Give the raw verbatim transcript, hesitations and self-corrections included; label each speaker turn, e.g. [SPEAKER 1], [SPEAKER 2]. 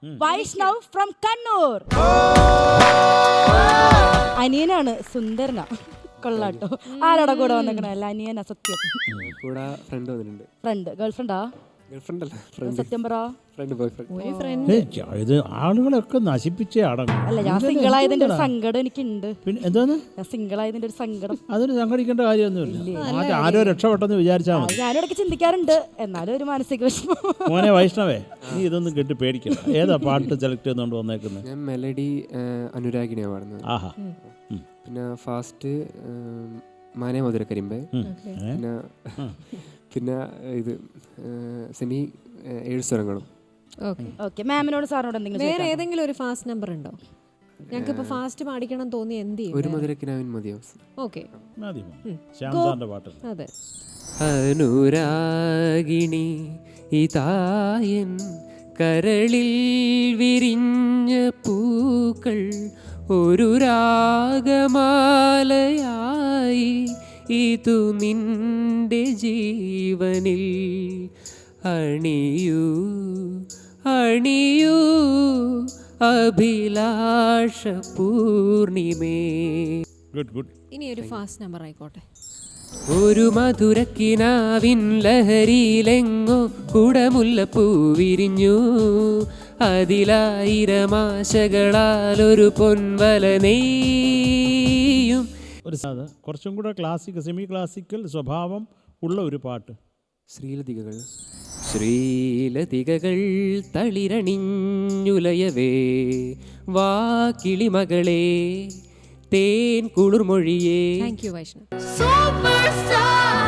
[SPEAKER 1] Vaishnav from Kannur. അനിയനാണ്, സുന്ദരന. കൊള്ളാട്ടോ. ആരോടെ കൂടെ വന്നേക്കണല്ല? അനിയനാ. സത്യം.
[SPEAKER 2] ഫ്രണ്ട് വന്നിട്ടുണ്ട്.
[SPEAKER 1] ഫ്രണ്ട്? ഗേൾഫ്രണ്ടാ? സത്യം പറ.
[SPEAKER 3] ഇത് ആളുകളൊക്കെ നശിപ്പിച്ചേ അടങ്ങും.
[SPEAKER 1] അല്ല, ഞാൻ സിംഗിൾ ആയതിന്റെ ഒരു സങ്കടം എനിക്കുണ്ട്.
[SPEAKER 3] പിന്നെ എന്താണ്
[SPEAKER 1] ഞാൻ സിംഗിൾ ആയതിന്റെ ഒരു സങ്കടം?
[SPEAKER 3] അതിന് സങ്കടിക്കേണ്ട കാര്യമൊന്നുമില്ല. ആരോ രക്ഷപ്പെട്ടെന്ന് വിചാരിച്ചാൽ മതി.
[SPEAKER 1] ഞാനിടയ്ക്ക് ചിന്തിക്കാറുണ്ട്, എന്നാലും ഒരു മാനസിക വിഷമം.
[SPEAKER 3] മോനെ വൈഷ്ണവേ, നീ ഇതൊന്നും കേട്ട് പേടിക്കണം. ഏതാ പാട്ട് സെലക്ട് ചെയ്തുകൊണ്ട് വന്നേക്കുന്നത്?
[SPEAKER 2] ഞാൻ മെലഡി അനുരാഗിനെയാണ് പാടുന്നത്.
[SPEAKER 3] ആഹാ.
[SPEAKER 2] പിന്നെ ഫാസ്റ്റ് മാനേ മധുരക്കരിമ്പ്. പിന്നെ പിന്നെ ഇത് സെമി ഏഴ് സ്വരങ്ങളും.
[SPEAKER 1] ഓക്കെ, മാമിനോട് സാറിനോട് എന്തെങ്കിലും
[SPEAKER 4] വേറെ ഏതെങ്കിലും ഒരു ഫാസ്റ്റ് നമ്പർ ഉണ്ടോ? ഞങ്ങൾക്ക് ഇപ്പൊ ഫാസ്റ്റ് പാടിക്കണം തോന്നി എന്ത് ചെയ്യും?
[SPEAKER 2] ഒരു മധുരക്കിനാവിൻ മതിയോ?
[SPEAKER 4] ഓക്കെ,
[SPEAKER 3] മതി. ശ്യാംസാറിന്റെ പാട്ട്.
[SPEAKER 4] അതെ.
[SPEAKER 2] അനുരാഗിണി ഇതായൻ കരളിൽ വിരിഞ്ഞ പൂക്കൾ ഒരു രാഗമാലയായി ഇതു നിന്റെ ജീവനിൽ അണിയൂ അണിയൂ അഭിലാഷ പൂർണിമേ.
[SPEAKER 3] Good good.
[SPEAKER 4] ഇനി ഒരു ഫാസ്റ്റ് നമ്പർ ആയിക്കോട്ടെ.
[SPEAKER 2] ഒരു മധുരക്കിനാവിൻ ലഹരിയിലെങ്ങോ കുടമുല്ലപ്പൂ വിരിഞ്ഞു, അതിലായിരമാശകളാൽ ഒരു പൊൻവല നെയ്യും.
[SPEAKER 3] ഒരു കുറച്ചും കൂടെ ക്ലാസിക്കൽ, സെമി ക്ലാസിക്കൽ സ്വഭാവം ഉള്ള ഒരു പാട്ട്.
[SPEAKER 2] ശ്രീലതികകൾ. ശ്രീലതികകൾ തളിരണിഞ്ഞുലയവേ വാ കിളിമകളെ തേൻ കുളിർമൊഴിയേ.
[SPEAKER 4] Thank you Vaishnav.
[SPEAKER 1] Super star.